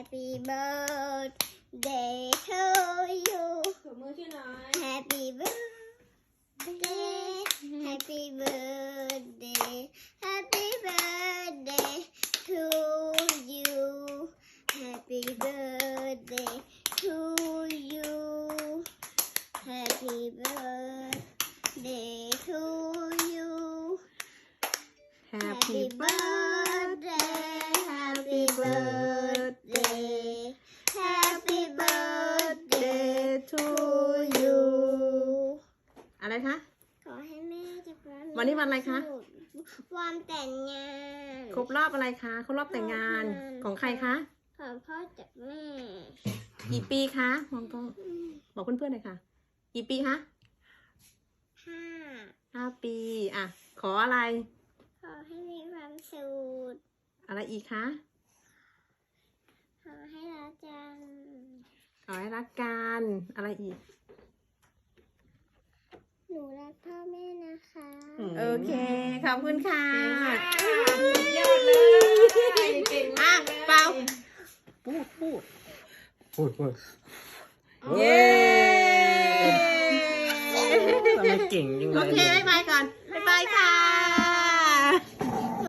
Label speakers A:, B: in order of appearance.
A: Happy birthday to you
B: ถูมือชื่อน้อย
A: Happy birthday Happy birthday Happy birthday to you Happy birthday to you Happy birthday to you
C: Happy birthday Happy birthday
A: Happy birthday
C: to you อะไรคะ
A: ขอให้แม่จากร้าน
C: วันนี้วันอะไรคะ
A: วันแต่งงาน
C: ครบรอบอะไรคะครบรอบแต่งงานของใครคะ
A: ของพ่อจากแม่
C: กี่ปีคะมองกล้องบอกเพื่อนๆหน่อยค่ะ กี่ปีคะ
A: ห้า
C: 5 ปีอ่ะขออะไร
A: ขอให้มีความสุข
C: อะไรอีกคะ
A: ขอให้รักจัง
C: ขอให้รักกันอะไรอีก
A: หนูรักพ่อแม่นะคะ
C: โอเคขอบคุณค่ะ
B: สุดยอดเลยเก่ง
C: อ่ะ
B: มากเลย
C: เปล่าพูด เย้
D: ทำไมเก่งจังเล
C: โอย เคบ๊ายบายก่อนบ๊ายบายค่ะ